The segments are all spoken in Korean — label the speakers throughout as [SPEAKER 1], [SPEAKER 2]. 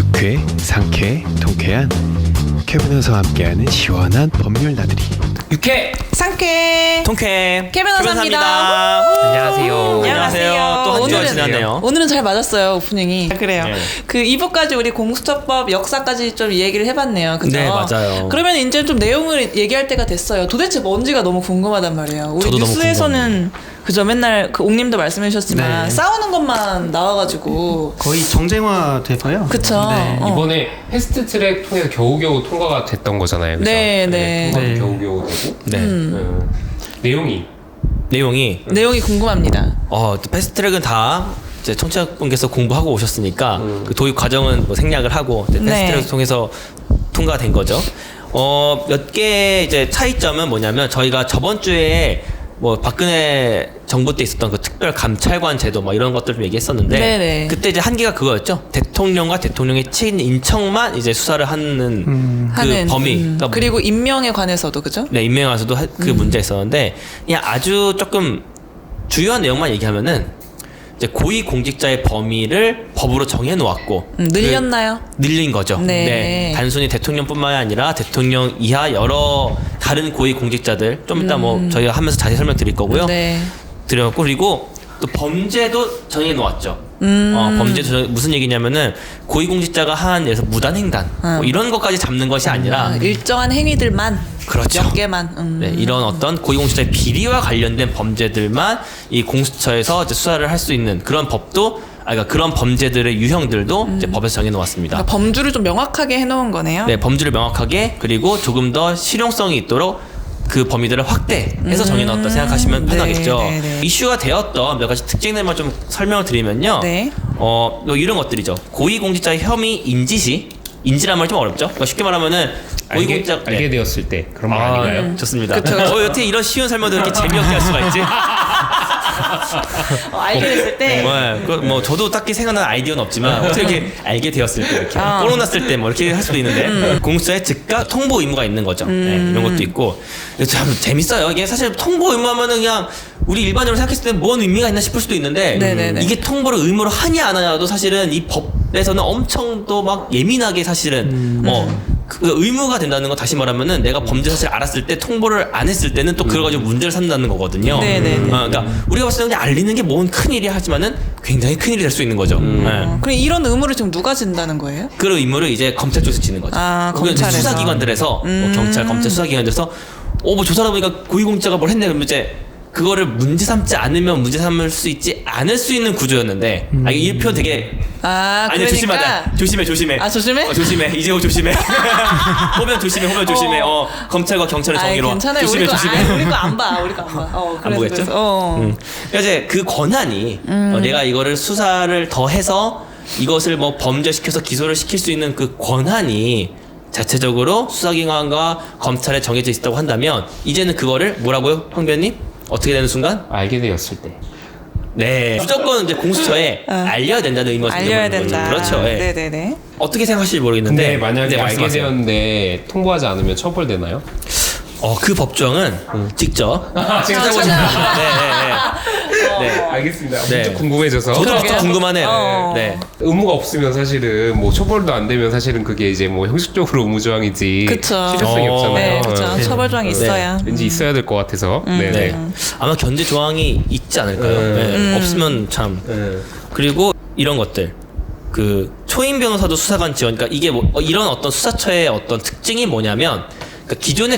[SPEAKER 1] 유쾌, 상쾌, 통쾌한 캐비너와 함께하는 시원한 법률 나들이.
[SPEAKER 2] 유쾌
[SPEAKER 3] 상쾌
[SPEAKER 2] 통쾌
[SPEAKER 3] 캐비너사입니다.
[SPEAKER 2] 안녕하세요.
[SPEAKER 3] 안녕하세요.
[SPEAKER 2] 또 한 주가
[SPEAKER 3] 오늘은-
[SPEAKER 2] 지났네요.
[SPEAKER 3] 오늘은 잘 맞았어요 오프닝이. 그래요.
[SPEAKER 2] 네.
[SPEAKER 3] 그 2부까지 우리 공수처법 역사까지 좀 얘기를 해봤네요. 그죠?
[SPEAKER 2] 네, 맞아요.
[SPEAKER 3] 그러면 이제 좀 내용을 얘기할 때가 됐어요. 도대체 뭔지가 너무 궁금하단 말이에요. 우리
[SPEAKER 2] 저도 너무
[SPEAKER 3] 뉴스에서는 그죠? 맨날 그 옥님도 말씀해주셨지만
[SPEAKER 4] 네.
[SPEAKER 3] 싸우는 것만 나와가지고
[SPEAKER 4] 거의 정쟁화 돼서요.
[SPEAKER 3] 그쵸?
[SPEAKER 4] 네.
[SPEAKER 5] 이번에 패스트트랙 통해서 겨우겨우 통과가 됐던 거잖아요. 그죠?
[SPEAKER 3] 네, 네.
[SPEAKER 5] 통과도
[SPEAKER 4] 네.
[SPEAKER 5] 겨우겨우 되고
[SPEAKER 2] 네.
[SPEAKER 5] 내용이
[SPEAKER 3] 내용이 궁금합니다.
[SPEAKER 2] 또 패스트트랙은 다 이제 청취자분께서 공부하고 오셨으니까 그 도입 과정은 뭐 생략을 하고 이제
[SPEAKER 3] 네.
[SPEAKER 2] 패스트트랙을 통해서 통과된 거죠. 몇 개 이제 차이점은 뭐냐면 저희가 저번 주에 뭐 박근혜 정부 때 있었던 그 특별 감찰관 제도 뭐 이런 것들 좀 얘기했었는데
[SPEAKER 3] 네네.
[SPEAKER 2] 그때 이제 한계가 그거였죠. 대통령과 대통령의 친인척만 이제 수사를 하는 그
[SPEAKER 3] 하는
[SPEAKER 2] 범위. 그러니까
[SPEAKER 3] 그리고 임명에 관해서도 그죠?
[SPEAKER 2] 네, 임명에서도 그 문제가 있었는데 그냥 아주 조금 주요한 내용만 얘기하면은 이제 고위공직자의 범위를 법으로 정해 놓았고
[SPEAKER 3] 늘렸나요?
[SPEAKER 2] 늘린 거죠.
[SPEAKER 3] 네.
[SPEAKER 2] 단순히 대통령뿐만이 아니라 대통령 이하 여러 다른 고위공직자들 좀 이따 뭐 저희가 하면서 자세히 설명드릴 거고요.
[SPEAKER 3] 네.
[SPEAKER 2] 드렸고 그리고 또 범죄도 정해 놓았죠. 범죄도 무슨 얘기냐면은 고위공직자가 한 예를 들어서 무단횡단 뭐 이런 것까지 잡는 것이 아니라
[SPEAKER 3] 일정한 행위들만
[SPEAKER 2] 그렇죠.
[SPEAKER 3] 몇 개만
[SPEAKER 2] 네, 이런 어떤 고위공직자의 비리와 관련된 범죄들만 이 공수처에서 이제 수사를 할 수 있는 그런 법도 그러니까 그런 범죄들의 유형들도 이제 법에서 정해 놓았습니다.
[SPEAKER 3] 그러니까 범주를 좀 명확하게 해놓은 거네요.
[SPEAKER 2] 네, 범주를 명확하게 그리고 조금 더 실용성이 있도록 그 범위들을 확대해서 정해 놓았다 생각하시면 편하겠죠.
[SPEAKER 3] 네, 네, 네.
[SPEAKER 2] 이슈가 되었던 몇 가지 특징들만 좀 설명을 드리면요.
[SPEAKER 3] 네.
[SPEAKER 2] 뭐 이런 것들이죠. 고위공직자의 혐의 인지시 인지란 말 좀 어렵죠. 그러니까 쉽게 말하면 고위공직자
[SPEAKER 5] 알게 되었을 때 그런 말 아닌가요?
[SPEAKER 2] 좋습니다.
[SPEAKER 3] 그쵸.
[SPEAKER 2] 어떻게 이런 쉬운 설명도 이렇게 재미없게 할 수가 있지?
[SPEAKER 3] 알게 됐을 때
[SPEAKER 2] 뭐 저도 딱히 생각나는 아이디어는 없지만 어떻게 이렇게 알게 되었을 때 이렇게 코로나 났을 때 뭐 이렇게 할 수도 있는데 공수처에 즉각 통보 의무가 있는 거죠. 네, 이런 것도 있고 참 재밌어요. 이게 사실 통보 의무하면은 그냥 우리 일반적으로 생각했을 때 뭔 의미가 있나 싶을 수도 있는데
[SPEAKER 3] 네네네.
[SPEAKER 2] 이게 통보를 의무로 하냐 안 하냐도 사실은 이 법에서는 엄청 또 막 예민하게 사실은 그 의무가 된다는 건 다시 말하면은 내가 범죄 사실을 알았을 때 통보를 안 했을 때는 또 그걸 가지고 문제를 삼는다는 거거든요.
[SPEAKER 3] 네네네.
[SPEAKER 2] 그러니까 우리가 봤을 때 그냥 알리는 게 뭔 큰일이야 하지만은 굉장히 큰일이 될 수 있는 거죠. 네.
[SPEAKER 3] 그럼 이런 의무를 지금 누가 진다는 거예요?
[SPEAKER 2] 그 의무를 이제 검찰 쪽에서 지는 거죠.
[SPEAKER 3] 아,
[SPEAKER 2] 혹은 이제
[SPEAKER 3] 검찰에서.
[SPEAKER 2] 수사기관들에서 뭐 경찰, 검찰 수사기관들에서 뭐 조사하다 보니까 고위공직자가 뭘 했네 그러면 이제 그거를 문제 삼지 않으면 문제 삼을 수 있지 않을 수 있는 구조였는데 이게 이 표현 되게 아니
[SPEAKER 3] 그러니까
[SPEAKER 2] 조심하다 조심해
[SPEAKER 3] 아, 조심해?
[SPEAKER 2] 조심해 이재호 조심해 호변 조심해 검찰과 경찰의 정의로
[SPEAKER 3] 괜찮아요.
[SPEAKER 2] 조심해
[SPEAKER 3] 우리 거 안 봐. 우리 거 안 봐.
[SPEAKER 2] 안 보겠죠?
[SPEAKER 3] 그래서.
[SPEAKER 2] 그러니까 이제 그 권한이 내가 이거를 수사를 더 해서 이것을 뭐 범죄시켜서 기소를 시킬 수 있는 그 권한이 자체적으로 수사기관과 검찰에 정해져 있다고 한다면 이제는 그거를 뭐라고요, 황변님? 어떻게 되는 순간?
[SPEAKER 5] 알게 되었을 때
[SPEAKER 2] 네, 무조건 이제 공수처에 알려야 된다는 의미가
[SPEAKER 3] 알려야
[SPEAKER 2] 생겨버리는
[SPEAKER 3] 된다.
[SPEAKER 2] 거죠. 그렇죠. 예.
[SPEAKER 3] 네네네.
[SPEAKER 2] 어떻게 생각하실지 모르겠는데
[SPEAKER 5] 근데 만약에
[SPEAKER 2] 네,
[SPEAKER 5] 알게
[SPEAKER 2] 말씀하세요.
[SPEAKER 5] 되었는데 통보하지 않으면 처벌되나요?
[SPEAKER 2] 그 법조항은 직접 찾아보시면 됩니다. 네.
[SPEAKER 5] 알겠습니다.
[SPEAKER 2] 네.
[SPEAKER 5] 문득 궁금해져서
[SPEAKER 2] 저도
[SPEAKER 3] 그러게요.
[SPEAKER 2] 진짜 궁금하네요.
[SPEAKER 3] 어.
[SPEAKER 2] 네.
[SPEAKER 5] 의무가 없으면 사실은 뭐 처벌도 안 되면 사실은 그게 이제 뭐 형식적으로 의무조항이지
[SPEAKER 3] 그쵸.
[SPEAKER 5] 실효성이 없잖아요.
[SPEAKER 3] 네, 그렇죠. 처벌 조항이 있어야.
[SPEAKER 5] 왠지 있어야 될 것 같아서. 네네.
[SPEAKER 2] 네. 아마 견제 조항이 있지 않을까요? 네. 없으면 참. 그리고 이런 것들. 그 초임 변호사도 수사관 지원. 그러니까 이게 뭐 이런 어떤 수사처의 어떤 특징이 뭐냐면 그러니까 기존의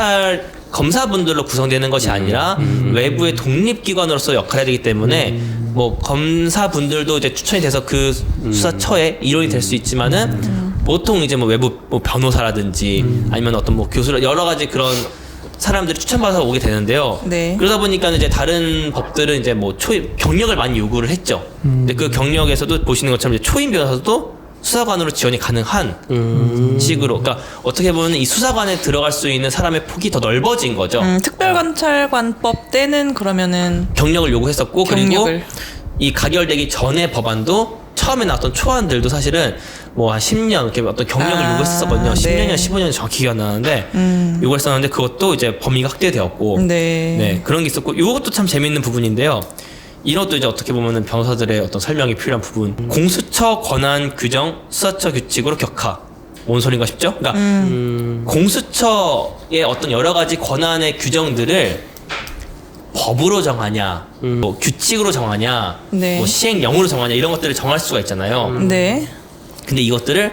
[SPEAKER 2] 검사분들로 구성되는 것이 아니라 외부의 독립기관으로서 역할을 해야 되기 때문에 뭐 검사분들도 이제 추천이 돼서 그 수사처에 일원이 될 수 있지만은 보통 이제 뭐 외부 뭐 변호사라든지 아니면 어떤 뭐 교수라 여러 가지 그런 사람들이 추천받아서 오게 되는데요.
[SPEAKER 3] 네.
[SPEAKER 2] 그러다 보니까 이제 다른 법들은 이제 뭐 초임 경력을 많이 요구를 했죠. 근데 그 경력에서도 보시는 것처럼 이제 초임 변호사도 수사관으로 지원이 가능한 식으로, 그러니까 어떻게 보면 이 수사관에 들어갈 수 있는 사람의 폭이 더 넓어진 거죠.
[SPEAKER 3] 특별검찰관법 때는 그러면은
[SPEAKER 2] 경력을 요구했었고
[SPEAKER 3] 경력을.
[SPEAKER 2] 그리고 이 가결되기 전에 법안도 처음에 나왔던 초안들도 사실은 뭐 한 10년 이렇게 어떤 경력을 요구했었거든요.
[SPEAKER 3] 네.
[SPEAKER 2] 10년이나 15년 정확히 기억 안 나는데 요구했었는데 그것도 이제 범위가 확대되었고
[SPEAKER 3] 네.
[SPEAKER 2] 네, 그런 게 있었고 이것도 참 재밌는 부분인데요. 이런 것도 이제 어떻게 보면은 변호사들의 어떤 설명이 필요한 부분. 공수처 권한 규정 수사처 규칙으로 격하. 뭔 소린가 싶죠? 그러니까 공수처의 어떤 여러 가지 권한의 규정들을 법으로 정하냐, 뭐 규칙으로 정하냐,
[SPEAKER 3] 네.
[SPEAKER 2] 뭐 시행령으로 정하냐 이런 것들을 정할 수가 있잖아요.
[SPEAKER 3] 네.
[SPEAKER 2] 근데 이것들을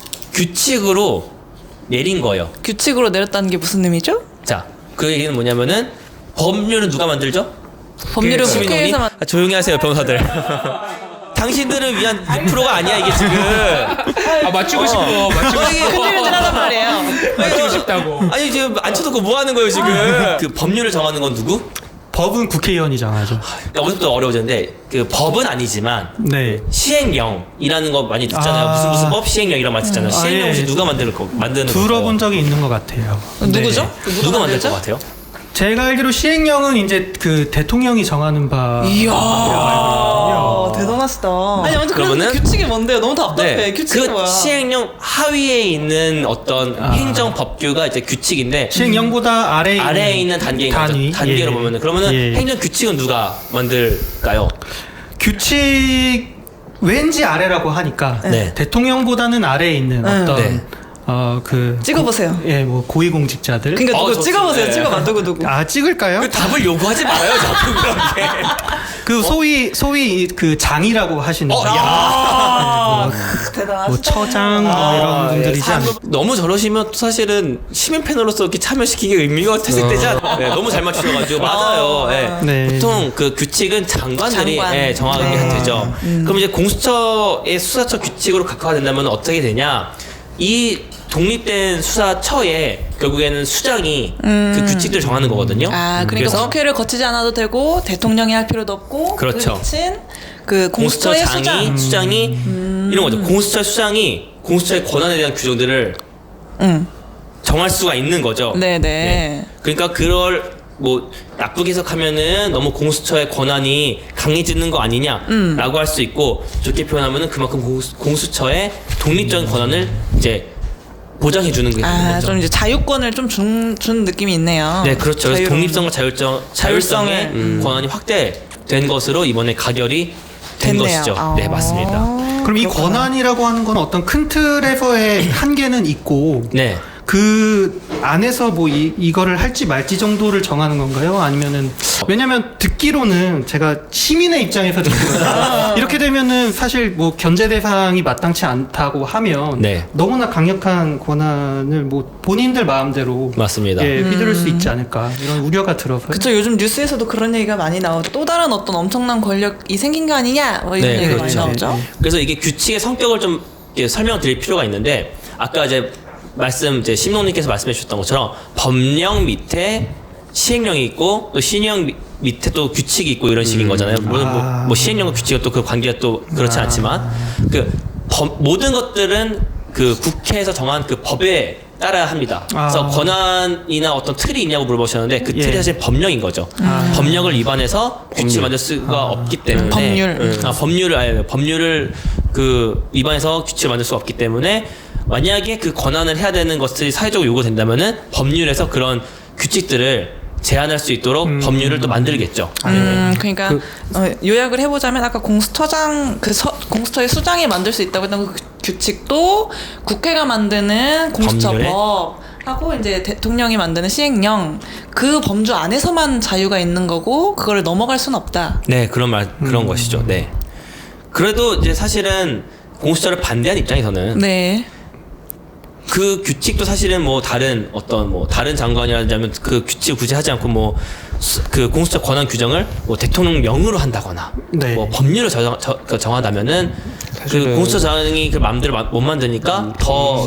[SPEAKER 2] 규칙으로 내린 거예요.
[SPEAKER 3] 규칙으로 내렸다는 게 무슨 의미죠?
[SPEAKER 2] 자, 그 얘기는 뭐냐면은 법률은 누가 만들죠?
[SPEAKER 3] 법률은
[SPEAKER 2] 시민원이?
[SPEAKER 3] 국회에서만
[SPEAKER 2] 조용히 하세요, 변호사들. 당신들을 위한 6%가 아니야 이게 지금.
[SPEAKER 5] 아 맞추고 싶어. 맞추고 싶어.
[SPEAKER 3] 큰일들 하단 말이에요.
[SPEAKER 5] 맞추고 싶다고.
[SPEAKER 2] 아니 지금 안 쳐놓고 뭐 하는 거예요 지금? 그 법률을 정하는 건 누구?
[SPEAKER 4] 법은 국회의원이 정하죠.
[SPEAKER 2] 그러니까 어디서부터 어려워졌는데 그 법은 아니지만
[SPEAKER 4] 네.
[SPEAKER 2] 시행령이라는 거 많이 듣잖아요.
[SPEAKER 4] 아.
[SPEAKER 2] 무슨 법 시행령 이런 말 듣잖아요. 시행령 혹시
[SPEAKER 4] 예.
[SPEAKER 2] 누가 만드는 거예요?
[SPEAKER 4] 들어본 적이 있는 것 같아요.
[SPEAKER 3] 누구죠?
[SPEAKER 4] 네.
[SPEAKER 2] 누가 만들
[SPEAKER 3] 만들죠?
[SPEAKER 2] 것 같아요?
[SPEAKER 4] 제가 알기로 시행령은 이제 그 대통령이 정하는 바.
[SPEAKER 3] 이야,
[SPEAKER 4] 알거든요.
[SPEAKER 3] 대단하시다. 아니 아무튼 그러면
[SPEAKER 2] 그러면은-
[SPEAKER 3] 규칙이 뭔데요? 너무 답답해.
[SPEAKER 2] 네,
[SPEAKER 3] 규칙이
[SPEAKER 2] 그
[SPEAKER 3] 뭐야?
[SPEAKER 2] 시행령 하위에 있는 어떤 행정 법규가 이제 규칙인데
[SPEAKER 4] 시행령보다
[SPEAKER 2] 아래에 있는 단계인 거죠.
[SPEAKER 4] 단위.
[SPEAKER 2] 단계로
[SPEAKER 4] 예.
[SPEAKER 2] 보면은 그러면은
[SPEAKER 4] 예.
[SPEAKER 2] 행정 규칙은 누가 만들까요?
[SPEAKER 4] 규칙 왠지 아래라고 하니까
[SPEAKER 2] 네.
[SPEAKER 4] 대통령보다는 아래에 있는 어떤
[SPEAKER 2] 네.
[SPEAKER 4] 그
[SPEAKER 3] 찍어보세요.
[SPEAKER 4] 뭐 고위공직자들.
[SPEAKER 3] 그러니까 누구
[SPEAKER 2] 좋습니다.
[SPEAKER 3] 찍어보세요.
[SPEAKER 2] 네.
[SPEAKER 3] 찍어봐 누구.
[SPEAKER 4] 아 찍을까요?
[SPEAKER 2] 그 답을 요구하지 말아요, 자꾸 그렇게.
[SPEAKER 4] 그 소위 그 장이라고 하시는 분들.
[SPEAKER 3] 대단하시다.
[SPEAKER 4] 뭐 처장 뭐 이런 분들이지 않을까.
[SPEAKER 2] 너무 저러시면 또 사실은 시민 패널로서 이렇게 참여시키기 의미가 퇴색되지 않아요. 네, 너무 잘 맞추셔가지고 맞아요. 네.
[SPEAKER 4] 네.
[SPEAKER 2] 보통 그 규칙은 장관들이
[SPEAKER 3] 장관.
[SPEAKER 2] 예, 정하게
[SPEAKER 3] 네.
[SPEAKER 2] 되죠. 그럼 이제 공수처의 수사처 규칙으로 각화된다면 어떻게 되냐? 이 독립된 수사처에 결국에는 수장이 그 규칙들을 정하는 거거든요.
[SPEAKER 3] 아, 그러니까
[SPEAKER 2] 그래서
[SPEAKER 3] 국회를 거치지 않아도 되고 대통령이 할 필요도 없고
[SPEAKER 2] 그렇죠.
[SPEAKER 3] 그친 그
[SPEAKER 2] 공수처
[SPEAKER 3] 공수처의
[SPEAKER 2] 장이 수장이 이런 거죠. 공수처 수장이 공수처의 권한에 대한 규정들을 정할 수가 있는 거죠.
[SPEAKER 3] 네네.
[SPEAKER 2] 그러니까 그걸 뭐 나쁘게 해석하면은 너무 공수처의 권한이 강해지는 거 아니냐라고 할 수 있고 좋게 표현하면은 그만큼 공수처의 독립적인 권한을 이제 보장해 주는 게 되는
[SPEAKER 3] 아,
[SPEAKER 2] 거죠.
[SPEAKER 3] 좀 이제 자유권을 좀 준 느낌이 있네요.
[SPEAKER 2] 네, 그렇죠. 그래서
[SPEAKER 3] 자유로운-
[SPEAKER 2] 독립성과 자율성의 권한이 확대된 것으로 이번에 가결이 된
[SPEAKER 3] 됐네요.
[SPEAKER 2] 것이죠.
[SPEAKER 3] 아.
[SPEAKER 2] 네, 맞습니다.
[SPEAKER 4] 그럼 이 권한이라고 하는 건 어떤 큰 틀에서의 한계는 있고
[SPEAKER 2] 네.
[SPEAKER 4] 그 안에서 뭐 이거를 할지 말지 정도를 정하는 건가요? 아니면은 왜냐면 듣기로는 제가 시민의 입장에서 듣기로는 이렇게 되면은 사실 뭐 견제 대상이 마땅치 않다고 하면
[SPEAKER 2] 네.
[SPEAKER 4] 너무나 강력한 권한을 뭐 본인들 마음대로
[SPEAKER 2] 맞습니다.
[SPEAKER 4] 예, 휘두를 수 있지 않을까 이런 우려가 들어서
[SPEAKER 3] 그쵸, 요즘 뉴스에서도 그런 얘기가 많이 나오죠. 또 다른 어떤 엄청난 권력이 생긴 거 아니냐 뭐 이런
[SPEAKER 2] 네,
[SPEAKER 3] 얘기가
[SPEAKER 2] 그렇죠.
[SPEAKER 3] 많이 나오죠.
[SPEAKER 2] 그래서 이게 규칙의 성격을 좀 이렇게 설명드릴 필요가 있는데 아까 이제 이제 심농님께서 말씀해 주셨던 것처럼 법령 밑에 시행령이 있고 또 시행령 밑에 또 규칙이 있고 이런 식인 거잖아요. 물론 뭐 시행령과 규칙은 또 그 관계가 또 그렇지 않지만 그 모든 것들은 그 국회에서 정한 그 법에 따라야 합니다. 그래서 권한이나 어떤 틀이 있냐고 물어보셨는데 그 틀이
[SPEAKER 4] 예.
[SPEAKER 2] 사실 법령인 거죠. 법령을 위반해서 규칙을 만들 수가 없기 때문에
[SPEAKER 3] 법률.
[SPEAKER 2] 법률을 그 위반해서 규칙을 만들 수가 없기 때문에 만약에 그 권한을 해야 되는 것들이 사회적으로 요구된다면은 법률에서 그런 규칙들을 제한할 수 있도록 법률을 또 만들겠죠.
[SPEAKER 3] 그러니까 요약을 해보자면 아까 공수처장 공수처의 수장이 만들 수 있다고 했던 그 규칙도 국회가 만드는 공수처법 하고 이제 대통령이 만드는 시행령 그 범주 안에서만 자유가 있는 거고 그거를 넘어갈 수는 없다.
[SPEAKER 2] 네, 그런 것이죠. 네. 그래도 이제 사실은 공수처를 반대한 입장에서는
[SPEAKER 3] 네.
[SPEAKER 2] 그 규칙도 사실은 뭐 다른 장관이라면 그 규칙을 굳이 하지 않고 그 공수처 권한 규정을 뭐 대통령령으로 한다거나
[SPEAKER 4] 네.
[SPEAKER 2] 뭐 법률을 정하다면은 그 공수처장이 그 마음대로 못 만드니까 더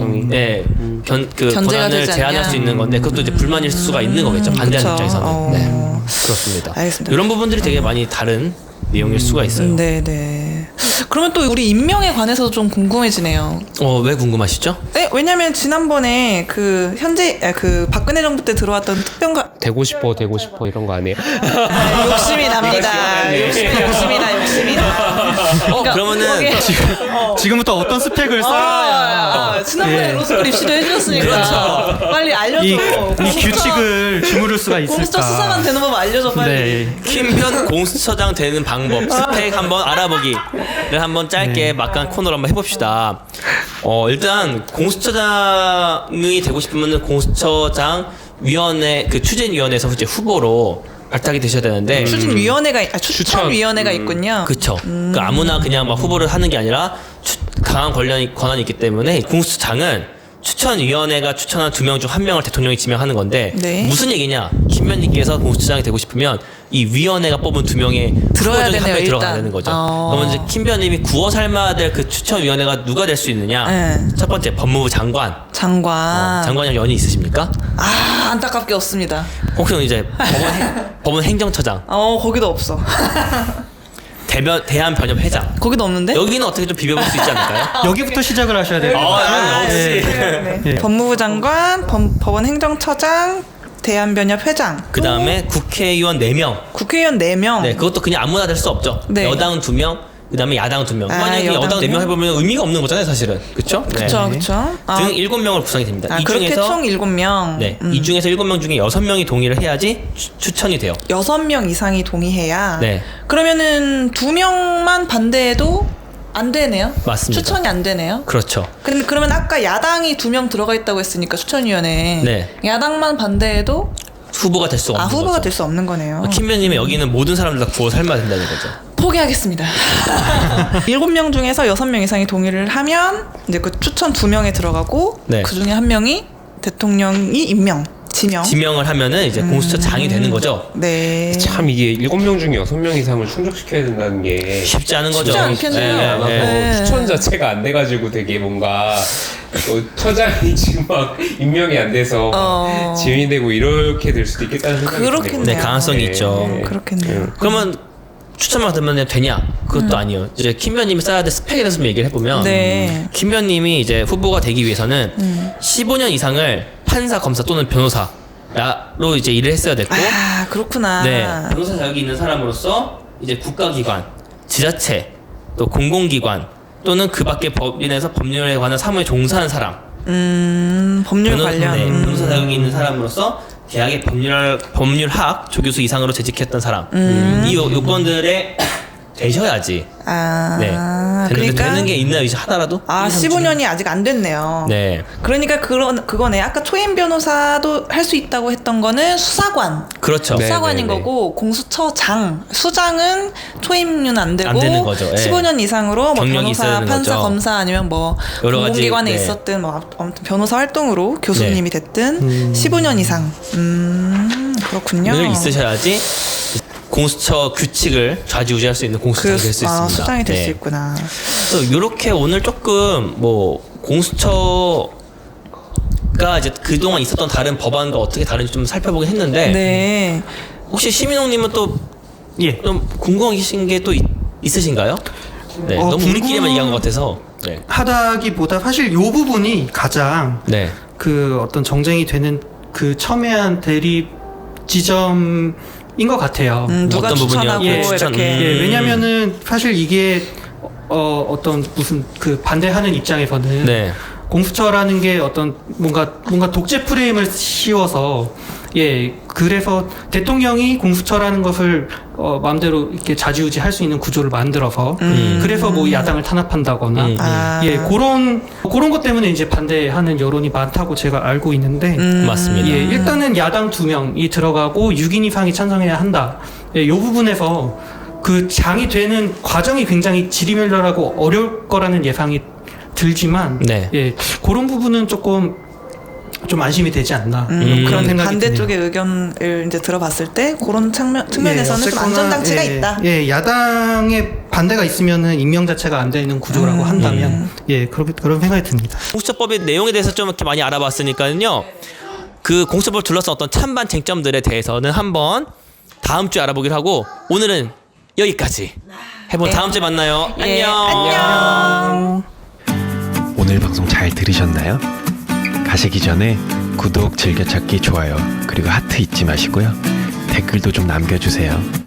[SPEAKER 2] 그
[SPEAKER 3] 견제가
[SPEAKER 2] 권한을
[SPEAKER 3] 되지
[SPEAKER 2] 제한할
[SPEAKER 3] 않냐.
[SPEAKER 2] 수 있는 건데 그것도 이제 불만일 수가 있는 거겠죠. 반대하는
[SPEAKER 3] 그쵸.
[SPEAKER 2] 입장에서는. 네. 그렇습니다.
[SPEAKER 3] 알겠습니다.
[SPEAKER 2] 이런 부분들이 되게 많이 다른 내용일 수가 있어요.
[SPEAKER 3] 네네. 그러면 또 우리 임명에 관해서도 좀 궁금해지네요.
[SPEAKER 2] 왜 궁금하시죠?
[SPEAKER 3] 네, 왜냐면 지난번에 그 박근혜 정부 때 들어왔던 특별가
[SPEAKER 5] 되고 싶어 이런 거 아니에요?
[SPEAKER 3] 욕심이 납니다. 욕심이 나.
[SPEAKER 2] 그러면은
[SPEAKER 4] 지금부터 어떤 스펙을 써야
[SPEAKER 3] 지난번에
[SPEAKER 4] 예.
[SPEAKER 3] 로스쿨 입시도 해주셨으니까 빨리 알려줘.
[SPEAKER 4] 이 규칙을 주무를 수가 있을까?
[SPEAKER 3] 공수처 수사관 되는 법 알려줘 빨리.
[SPEAKER 4] 네.
[SPEAKER 2] 킴변 공수처장 되는 방법 스펙 한번 알아보기를 한번 짧게 막간 코너로 한번 해봅시다. 일단 공수처장이 되고 싶으면은 공수처장 위원회 그 추진위원회에서 이제 후보로 발탁이 되셔야 되는데
[SPEAKER 3] 추천위원회가 있군요.
[SPEAKER 2] 그쵸. 그 아무나 그냥 막 후보를 하는 게 아니라 강한 권한이 있기 때문에 공수처장은 추천위원회가 추천한 2명 중 1명을 대통령이 지명하는 건데
[SPEAKER 3] 네.
[SPEAKER 2] 무슨 얘기냐? 김변님께서 공수처장이 되고 싶으면 이 위원회가 뽑은 2명의
[SPEAKER 3] 들어야
[SPEAKER 2] 후보 중에 한
[SPEAKER 3] 되네요,
[SPEAKER 2] 명이 들어가야
[SPEAKER 3] 일단.
[SPEAKER 2] 되는 거죠. 그러면 이제 김변님이 구워 삶아야 될 그 추천위원회가 누가 될 수 있느냐?
[SPEAKER 3] 네.
[SPEAKER 2] 첫 번째 법무부 장관. 장관이랑 연이 있으십니까?
[SPEAKER 3] 안타깝게 없습니다.
[SPEAKER 2] 혹시 이제 법원 행정처장,
[SPEAKER 3] 거기도 없어.
[SPEAKER 2] 대한변협회장.
[SPEAKER 3] 거기도 없는데?
[SPEAKER 2] 여기는 어떻게 좀 비벼볼 수 있지 않을까요?
[SPEAKER 4] 여기부터 시작을 하셔야 돼요.
[SPEAKER 2] 역시.
[SPEAKER 4] 예.
[SPEAKER 3] 법무부 장관, 법원 행정처장, 대한변협 회장.
[SPEAKER 2] 그 다음에 국회의원 4명.
[SPEAKER 3] 국회의원 4명.
[SPEAKER 2] 네, 그것도 그냥 아무나 될 수 없죠.
[SPEAKER 3] 네.
[SPEAKER 2] 여당은 2명, 그 다음에 야당은 2명. 만약에
[SPEAKER 3] 여당
[SPEAKER 2] 여당 4명
[SPEAKER 3] 2명?
[SPEAKER 2] 해보면 의미가 없는 거잖아요, 사실은. 그쵸?
[SPEAKER 3] 그쵸.
[SPEAKER 2] 등 7명을 구성이 됩니다. 이
[SPEAKER 3] 그렇게
[SPEAKER 2] 중에서
[SPEAKER 3] 총 7명.
[SPEAKER 2] 네, 이 중에서 7명 중에 6명이 동의를 해야지 추천이 돼요.
[SPEAKER 3] 6명 이상이 동의해야.
[SPEAKER 2] 네.
[SPEAKER 3] 그러면은 2명만 반대해도 안 되네요.
[SPEAKER 2] 맞습니다.
[SPEAKER 3] 추천이 안 되네요.
[SPEAKER 2] 그렇죠.
[SPEAKER 3] 그러면 아까 야당이 2명 들어가 있다고 했으니까 추천위원회에
[SPEAKER 2] 네.
[SPEAKER 3] 야당만 반대해도
[SPEAKER 2] 후보가 될 수 없는 거죠.
[SPEAKER 3] 후보가 될 수 없는 거네요.
[SPEAKER 2] 김변님의 여기는 모든 사람들 다 구워 삶아야 된다는 거죠.
[SPEAKER 3] 포기하겠습니다. 7명 중에서 6명 이상이 동의를 하면 이제 그 추천 2명에 들어가고
[SPEAKER 2] 네.
[SPEAKER 3] 그 중에 1명이 대통령이 지명을
[SPEAKER 2] 하면은 이제 공수처장이 되는 거죠.
[SPEAKER 3] 네.
[SPEAKER 5] 참 이게 7명 중에 6명 이상을 충족시켜야 된다는 게
[SPEAKER 2] 쉽지 않은 거죠.
[SPEAKER 3] 쉽지 않겠네요.
[SPEAKER 2] 네, 네.
[SPEAKER 3] 네.
[SPEAKER 5] 추천 자체가 안 돼가지고 되게 뭔가 처장이 지금 막 임명이 안 돼서 지연이 되고 이렇게 될 수도 있겠다는 생각이
[SPEAKER 3] 그렇겠네요.
[SPEAKER 2] 네, 가능성이 있죠.
[SPEAKER 3] 그렇겠네요.
[SPEAKER 2] 그러면 추천만 되면 되냐? 그것도 아니에요. 이제 김변님이 써야 될 스펙에 대해서 좀 얘기를 해보면
[SPEAKER 3] 네.
[SPEAKER 2] 김변님이 이제 후보가 되기 위해서는 15년 이상을 판사, 검사 또는 변호사로 이제 일을 했어야 됐고,
[SPEAKER 3] 그렇구나.
[SPEAKER 2] 네, 변호사 자격이 있는 사람으로서 이제 국가기관, 지자체, 또 공공기관 또는 그 밖의 법인에서 법률에 관한 사무에 종사하는 사람,
[SPEAKER 3] 법률 관련.
[SPEAKER 2] 네, 변호사 자격이 있는 사람으로서 대학의 법률학 조교수 이상으로 재직했던 사람, 이 요건들에 되셔야지. 네. 되는 게 있나 하더라도.
[SPEAKER 3] 15년이 아직 안 됐네요.
[SPEAKER 2] 네.
[SPEAKER 3] 그러니까 그거네. 아까 초임 변호사도 할 수 있다고 했던 거는 수사관.
[SPEAKER 2] 그렇죠.
[SPEAKER 5] 네.
[SPEAKER 3] 수사관인 거고 공수처장, 수장은 초임은 안 되고
[SPEAKER 2] 안 되는 거죠. 예.
[SPEAKER 3] 15년 이상으로 뭐
[SPEAKER 2] 경력이
[SPEAKER 3] 변호사,
[SPEAKER 2] 있어야 되는
[SPEAKER 3] 판사,
[SPEAKER 2] 거죠.
[SPEAKER 3] 검사 아니면 뭐
[SPEAKER 2] 여러 가지,
[SPEAKER 3] 공공기관에
[SPEAKER 2] 네.
[SPEAKER 3] 있었든 뭐 아무튼 변호사 활동으로 교수님이 됐든 15년 이상. 그렇군요.
[SPEAKER 2] 늘 있으셔야지 공수처 규칙을 좌지우지할 수 있는 공수처장이 될 수 있습니다.
[SPEAKER 3] 수장이 될 수
[SPEAKER 2] 네.
[SPEAKER 3] 있구나.
[SPEAKER 2] 그래서 이렇게 오늘 조금 뭐 공수처가 이제 그동안 있었던 다른 법안과 어떻게 다른지 좀 살펴보긴 했는데
[SPEAKER 3] 네.
[SPEAKER 2] 혹시 시민홍님은 또
[SPEAKER 4] 예.
[SPEAKER 2] 좀 궁금하신 게 또 있으신가요? 네, 너무 우리끼리만 얘기한 것 같아서. 네.
[SPEAKER 4] 하다기보다 사실 요 부분이 가장
[SPEAKER 2] 네.
[SPEAKER 4] 그 어떤 정쟁이 되는 그 첨예한 대립 지점인 것 같아요.
[SPEAKER 3] 누가
[SPEAKER 2] 어떤
[SPEAKER 3] 추천하고
[SPEAKER 2] 부분이요? 예, 추천.
[SPEAKER 3] 이렇게.
[SPEAKER 4] 예, 왜냐면은 사실 이게 어떤 무슨 그 반대하는 입장에서는
[SPEAKER 2] 네.
[SPEAKER 4] 공수처라는 게 어떤 뭔가 독재 프레임을 씌워서 그래서 대통령이 공수처라는 것을 마음대로 이렇게 좌지우지 할 수 있는 구조를 만들어서 그래서 뭐 야당을 탄압한다거나 그런 것 때문에 이제 반대하는 여론이 많다고 제가 알고 있는데
[SPEAKER 2] 맞습니다.
[SPEAKER 4] 일단은 야당 2명이 들어가고 6인 이상이 찬성해야 한다. 이 부분에서 그 장이 되는 과정이 굉장히 지리멸렬하고 어려울 거라는 예상이 들지만
[SPEAKER 2] 네.
[SPEAKER 4] 그런 부분은 조금 좀 안심이 되지 않나 그런 생각이
[SPEAKER 3] 반대쪽의
[SPEAKER 4] 드네요.
[SPEAKER 3] 의견을 이제 들어봤을 때 그런 측면에서는 좀 안전장치가 있다.
[SPEAKER 4] 야당의 반대가 있으면은 임명 자체가 안 되는 구조라고 한다면 그런 생각이 듭니다.
[SPEAKER 2] 공수처법의 내용에 대해서 좀 이렇게 많이 알아봤으니까요. 그 공수처법을 둘러싼 어떤 찬반 쟁점들에 대해서는 한번 다음 주에 알아보기로 하고 오늘은 여기까지. 해본
[SPEAKER 3] 네.
[SPEAKER 2] 다음 주에 만나요.
[SPEAKER 3] 예,
[SPEAKER 2] 안녕.
[SPEAKER 3] 안녕.
[SPEAKER 1] 오늘 방송 잘 들으셨나요? 가시기 전에 구독, 즐겨찾기, 좋아요, 그리고 하트 잊지 마시고요. 댓글도 좀 남겨주세요.